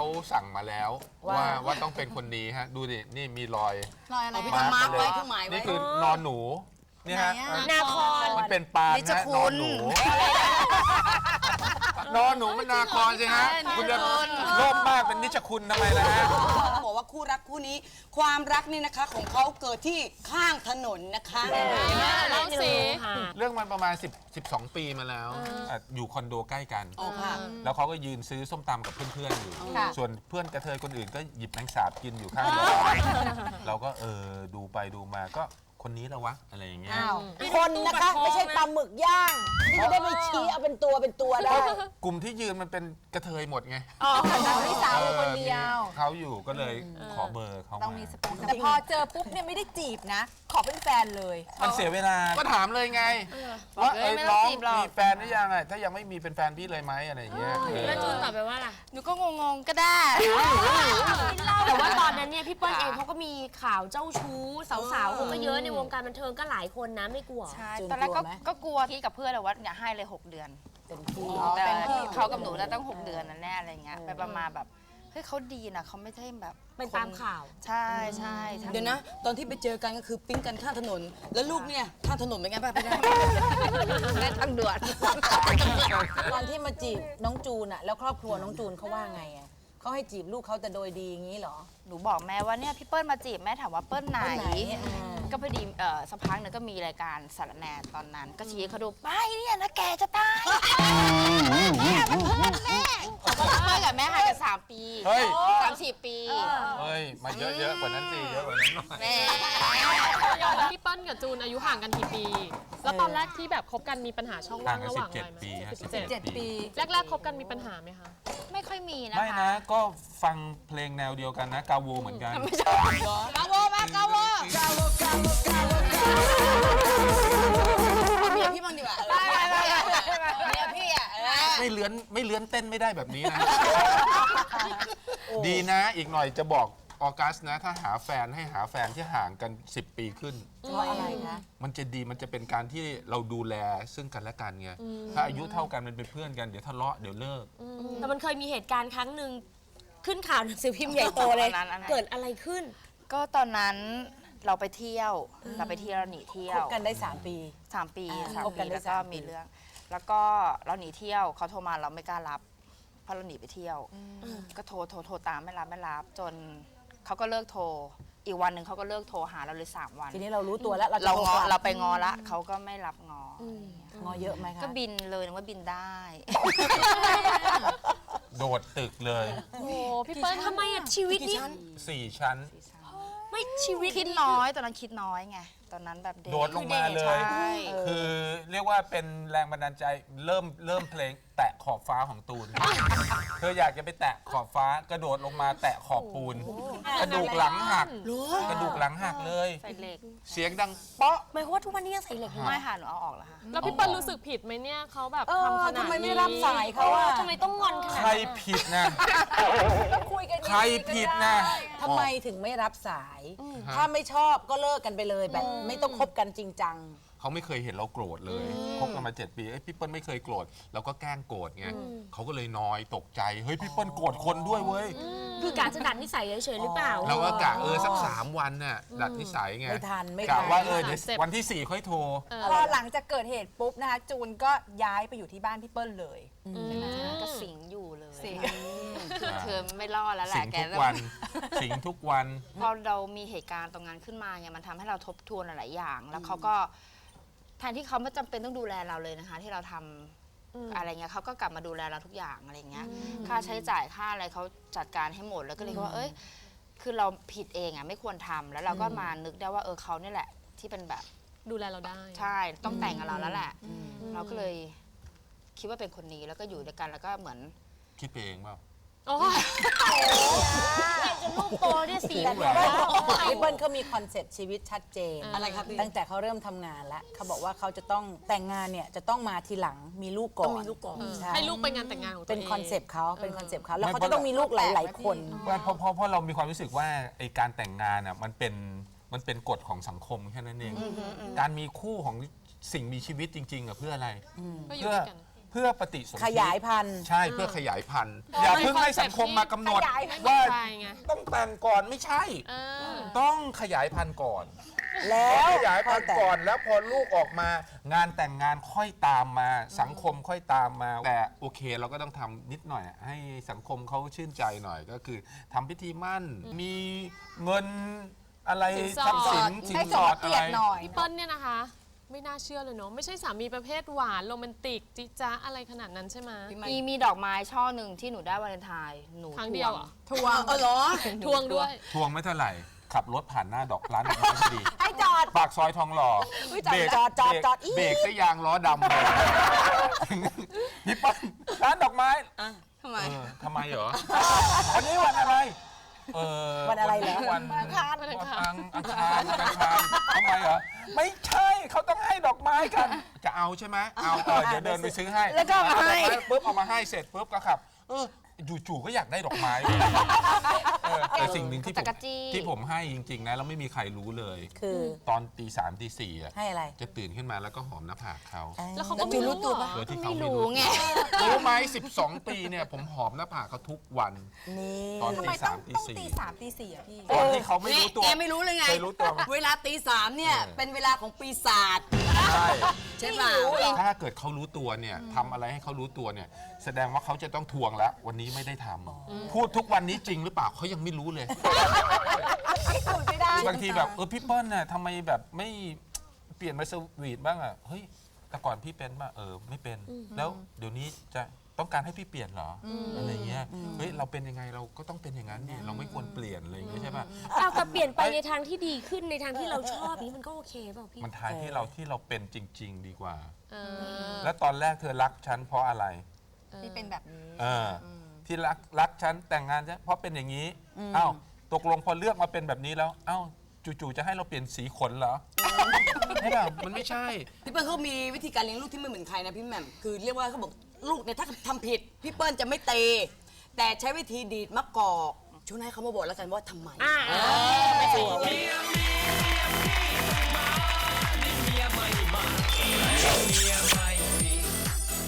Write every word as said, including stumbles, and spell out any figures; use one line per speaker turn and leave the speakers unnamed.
สั่งมาแล้วว่าว่าต้องเป็นคนนี้ฮะดูดินี่มีรอย
รอยอะไร
มาร์ค
มาร์ค
เล
ไว้
ย
คือหมายไว้
นี่คือนอนหนูนี่ฮะ
นาคอน
มันเป็นปาน
นิช
ฮะ
คุณ
นอนหนูนอนหนูมันนาคอนสิฮะคุณจะโล่มมากเป็นนิชคุณทำไมล่ะฮะ
บอกว่าคู่รักคู่นี้ ความรักนี่นะคะของเขาเกิดที่ข้างถนนนะคะ
เล่าสิ
เรื่องมันประมาณสิบ สิบสองปีมาแล้วอ่ะอยู่คอนโดใกล้กัน
อ๋อค่ะ
แล้วเขาก็ยืนซื้อส้มตำกับเพื่อนๆอยู่
ค่ะ
ส่วนเพื่อนกระเทยคนอื่นก็หยิบแมงสาบกินอยู่ข้างรถเราก็เออดูไปดูมาก็คนนี้แล้ววะอะไรอย่างเงี้ย
คนนะคะไม่ใช่ปลาหมึกย่างที่จะได้ไปชี้เอาเป็นตัวเป็นตัวได้
กลุ่มที่ยืนมันเป็นกระเทยหมดไง
พี่สาวอยู่คนเดียว
ออมีเขาอยู่ก็เลยขอเบอร์เขา
ต้อง
มา
มีสปงแต่พอเจอปุ๊บเนี่ยไม่ได้จีบนะ ขอเป็นแฟนเลย
มันเสียเวลา ก็ถามเลยไงว่าเอ้ยน้องมีแฟนหรือยังอ่ะถ้ายังไม่มีเป็นแฟนพี่เลยไหมอะไรอย่างเงี้ยเออ
แล้วจูนตอบไปว่าล่ะ
หนูก็งงๆก็ได้
แต่ว่าตอนนั้นเนี่ยพี่เปิ้ลเองเขาก็มีข่าวเจ้าชู้สาวๆเขาก็เยอะในวงการบันเทิงก็หลายคนนะไม่กลัว
ใช่
จูน
ตอนแรกก็
กลัวไหม
ก็กลัวที่กับเพื่อนเลยว่าอย่าให้เลยหกเดือน
เป็นพี่
แต่เขากับหนูแล้วตั้งหกเดือนนั่นแน่อะไรเงี้ยไปประมาณแบบเฮ้ยเขาดีนะเขาไม่ใช่แบบ
เป็นตามข่าว
ใช่ใช่
เดี๋ยวนะ ตอนที่ไปเจอกันก็คือปิ๊งกันข้างถนน แล้วลูกเนี่ยข้างถนนเป็นไงบ้างพี่ได้
เล่นทางด่วน
ตอนที่มาจีบน้องจูนอะแล้วครอบครัวน้องจูนเขาว่าไงอะเขาให้จีบลูกเขาแต่โดยดีอย่างนี้เหรอ
หนูบอกแม่ว่าเนี่ยพี่เปิ้ลมาจีบแม่ถามว่าเปิ้ลไหน
เปิ้ลไหนอ่า
ก็พอดีเอ่อสักพักหนึ่งก็มีรายการสารแหนตอนนั้น ก็ชี้ให้เขาดูไปเนี่ยนะแกจะตายเนี่ยมันเพื่อนแม่เปิ้ลกับแม่ห่างกันสามปี
เฮ้ย
สามสี่ปี
เฮ้ยมาเยอะๆกว่านั้นสิเยอะกว่านั้นหน่อย
แม่
พี่เปิ้ลกับจูนอายุห่างกันกี่ปี แล้วตอนแรกที่แบบคบกันมีปัญหาช่อง
ห่า
ว่าง ง
กัน
ระห
สิ
ว่า
บ
ง
เจ็
อะ
ด
ไรไหม
ปีฮะ
สิบเจ็ด
ปี
แรกๆคบกันมีปัญหาไหมคะ
ไม่ค่อยมีนะ
ไม่
คะ
นะก็ฟังเพลงแนวเดียวกันนะกาโวเหมือนกัน
กาโวมากาโวกาโวกาโวกาโวกาโวเมียพี่บ้างดีกว่าเมียพี่อ่ะ
ไม่เลื้อนไม่เลื้อนเต้นไม่ได้แบบนี้นะ ดีนะอีกหน่อยจะบอกออกัสนะ ถ้าหาแฟนให้หาแฟนที่ห่างกันสิบปีขึ้น
เพราะอะไรคะ
มันจะดีมันจะเป็นการที่เราดูแลซึ่งกันและกันไงถ้าอายุเท่ากันมันเป็นเพื่อนกันเดี๋ยวทะเลาะเดี๋ยวเลิก
แต่มันเคยมีเหตุการณ์ครั้งหนึ่งขึ้นข่าวหนังสือพิมพ์ใหญ่โตเลย
อันนั้นอันนั้น
เกิดอะไรขึ้น
ก็ตอนนั้นเราไปเที่ยว เราไปเที่ยวเราหนีเที่ย
คว บกันได้สามปี
สามปี
อ่า
สาม
คบกั
ปี
นได้
แล้วก็
สามปี
มีเรื่อง แล้วก็เราหนีเที่ยวเขาโทรมาเราไม่กล้ารับเพราะเราหนีไปเที่ยว ก็โทรโทรโทรตามไม่รับไม่รับ จนเขาก็เลิกโทร อีกวันหนึ่งเขาก็เลิกโทรหาเราเลยสามวัน
ทีนี้เรารู้ตัวแล้วเราจะ
เรา
โท
งอ
กลับ
เราไปงอละเขาก็ไม่รับงออง
อเยอะไหมคะ
ก็บินเลยนึกว่าบินได้
โดดตึกเลย
โอ้พี่เปิ้ล
ทำไมอะชีวิตนี้
สี่ชั้น
ไม่ชีวิต
คิดน้อยตอนนั้นคิดน้อยไงตอนนั้นแบบเด็ก
โดดลงมาเลย
ใช่
คือเรียกว่าเป็นแรงบันดาลใจเริ่มเริ่มเพลงแตะขอบฟ้าของตูน เธออยากจะไปแตะขอบฟ้ากระโดดลงมาแตะขอบปูน กระดูกหลังหัก กระดูกหลังหักเลย
ใส่เหล็ก
เสียงดังเป๊ะ
หมายความว่าทุกวันนี้ยังใส่เหล็กอยู่
ไม่ค่ะหนูเอาออกแล้วค่ะ
แล้วพี่เปิ้ลรู้สึกผิดไหมเนี่ยเขาแบบ
เออ
ทำขนาดนี้
ทำไมไม่รับสายเขาอะ
ทำไมต้องงอนขนาด
ใคร
นั้น
ผิดนะ
คุยกัน
ใครผิดนะ
ทำไมถึงไม่รับสาย ถ้าไม่ชอบก็เลิกกันไปเลยแบบไม่ต้องคบกันจริงจัง
เขาไม่เคยเห็นเราโกรธเลยคบกันมาเจ็ดปีเอ้ยพี่เปิ้ลไม่เคยโกรธเราก็แกล้งโกรธไงเขาก็เลยน้อยตกใจเฮ้ยพี่เปิ้ลโกรธคนด้วยเว้ย
คือกะจะดัดนิสัยเฉยๆหรือเปล่า
เราก็กะเออสักสามวันน่ะดัดนิสัยไง
ไม่ทันไม่
กะ
ทัน
ว่าเออเดี๋ยววันที่สี่ค่อยโทร
พอหลังจากเกิดเหตุปุ๊บนะคะจูนก็ย้ายไปอยู่ที่บ้านพี่เปิ้ลเลย ก็สิงอยู่เลยสิงคือเธอไม่รอดแล้วแห
สิ
ละ
ง
แก
ทุกวันสิงทุกวัน
พอเรามีเหตุการณ์ตรงนั้นขึ้นมาไงมันทำให้เราทบทวนหลายๆอย่าง แล้วเขาก็แทนที่เขาไม่จำเป็นต้องดูแลเราเลยนะคะ ที่เราทำอะไรเงี้ยเขาก็กลับมาดูแลเราทุกอย่างอะไรเงี้ยค่าใช้จ่ายค่าอะไรเขาจัดการให้หมดแล้วก็เลยคิดว่าเอ้ยคือเราผิดเองอ่ะไม่ควรทำแล้วเราก็มานึกได้ว่าเออเขาเนี่ยแหละ ที่เป็นแบบ
ดูแลเราได้
ใช่ต้องแต่งกับเราแล้วแหละ เราก็เลยคิดว่าเป็นคนนี้แล้วก็อยู่ด้วยกันแล้วก็เหมือน
คิดไปเองเปล่า
โอ้ย
จนลูกโตได้สี่
แต่
ขวบแล้ว
พี่เปิ้ลเขามีคอนเซ็ปต์ชีวิตชัดเจน
อะไรครับพี่
ตั้งแต่เขาเริ่มทำงานแล้วเขาบอกว่าเขาจะต้องแต่งงานเนี่ยจะต้องมาทีหลังมีลูกก่อน
ต้องมีลูกก่อน
ใช่
ให้ลูกไปงานแต่งงานของตัวเอง
เป็นคอนเซปต์เขาเป็นคอนเซปต์เขาแล้ว
ไม่
เขาจะต้องมีลูกหลาย ๆ คน
เพราะเพราะเพราะเรามีความรู้สึกว่าไอการแต่งงานอ่ะมันเป็นมันเป็นกฎของสังคมแค่นั้นเอง การมีคู่ของสิ่งมีชีวิตจริงๆอ่ะเพื่ออะไร
ก็อยู่
เพื่อ
ด้วยกัน
เพื่อพื่อปฏิสนธิ
ขยายพันธุ์
ใช่เพื่อขยายพันธุ์ อย่าเพิ่งให้สังคมมากำหนด
ว่า
ว่า
ใช่ไง
ต้องแต่งก่อนไม่ใช่
เออ
ต้องขยายพันธุ์ก่อน
แล้ว
ขยายพันธุ์ก่อนแล้วพอลูกออกมางานแต่งงานค่อยตามมาสังคมค่อยตามมา แต่โอเคเราก็ต้องทำนิดหน่อย ให้สังคมเขาชื่นใจหน่อยก็คือทำพิธีมั่น มีเงินอะไร
สินสอด
ทรัพย์สินสิน
ให้
ส
ส
อ
อ
ด
ด
อะ
เกี
ไร
ยรติหน่อย
พี่เปิ้ลเนี่ยนะคะ ไม่น่าเชื่อเลยเนาะไม่ใช่สามีประเภทหวานโรแมนติกจิจ๊ะอะไรขนาดนั้นใช่ไหม
มีมีดอกไม้ช่อหนึ่งที่หนูได้วาเลนไทน์หนู
ครั้งเดียวเหรอ
ทวงเออเหรอ
ทวงด้วย
ทวงไม่เท่าไหร่ ขับรถผ่านหน้าดอกร้านดอกไม้พอดี
ให้จอด
ปากซอยทองหล่อ
จอดจอดจอดจอดอี
เบรกซะยางล้อดำเลยพี่ปั้นร้านดอกไม้
ทำไม
เออทำไมเหรอ วันนี้วันอะไร เออ
วันอะไรเหรอ
วัน
วันอังคาร
วันอังคารอังคารวันอังคารทำไมเหรอ ไม่ใช่เขาต้องให้ดอกไม้กัน จะเอาใช่ไหมเอาเออเดี๋ยวเดินไปซื้อให้
แล้วก็เอามาให้
ดอกไม้ปุ๊บเอามาให้เสร็จปุ๊บก็ขับ เออจู่ๆก็อยากได้ดอกไม้เลยเออแต่สิ่งหนึ่งที่ผม
จักรจี้
ที่ผมให้จริง ๆ นะแล้วไม่มีใครรู้เลย
คือ
ตอนตีสามตีสี่อะ
ให้อะไร
จะตื่นขึ้นมาแล้วก็หอมหน้าผากเขา
แล้วเขาก็ไม่รู้ตัว
โดยที่เขา
ไม่
ไม่
รู้
รู้
ไง
รู้ไหมสิบสองปีเนี่ยผมหอมหน้าผากเขาทุกวัน
นี่
ตอนตีสามตีสี่
สามตีสี่อะพี่
ตอนที่เขาไม่รู้ตัว
แกไม่รู้เลยไง
เคยรู้ตัวไหม
เวลาตีสามเนี่ย
เออ
เป็นเวลาของปีศาจ
ใช่
ใช่ป่ะ
ถ้าเกิดเขารู้ตัวเนี่ยทำอะไรให้เขารู้ตัวเนี่ยแสดงว่าเขาจะต้องทวงแล้ว วันนี้ไม่ได้ทำพูดทุกวันนี้จริงหรือเปล่าเขายังไม่รู้เลยบางทีแบบเออพี่เปิ้ลน่ะทำไมแบบไม่เปลี่ยนมาสวีทบ้างอ่ะเฮ้ยแต่ก่อนพี่เป็นป่ะเออไม่เป็น แล้วเดี๋ยวนี้จะต้องการให้พี่เปลี่ยนเหรอออะไรเงี้ยเฮ้ยเราเป็นยังไงเราก็ต้องเป็นอย่างนั้นเนี่ยเราไม่ควรเปลี่ยนอะไรอย่างเงี้ยใช่ป่ะ
เอาแต่เปลี่ยนไปในทางที่ดีขึ้นในทางที่เราชอบนี้มันก็โอเคเปล่าพี่
มันทางที่เราที่เราเป็นจริง ๆ ดีกว่า
เออ
แล้วตอนแรกเธอรักฉันเพราะอะไร
ที่เป็นแบบนี้
เอออที่รักรักฉันแต่งงานฉันเพราะเป็นอย่างนี้อ้าวตกลงพอเลือกมาเป็นแบบนี้แล้วอ้าวจู่ๆจะให้เราเปลี่ยนสีขนเหรอใช่ป่ะมันไม่ใช่
พี่เปิ้ลเขามีวิธีการเลี้ยงลูกที่ไม่เหมือนใครนะพี่แหม่มคือเรียกว่าเขาบอกลูกเนี่ยถ้าทำผิดพี่เปิ้ลจะไม่เตะแต่ใช้วิธีดีดมะกอกช่วยให้เขามาบอกแล้วกันว่าทำไม
อ่า
ไม่ถูก
เมียไม่มา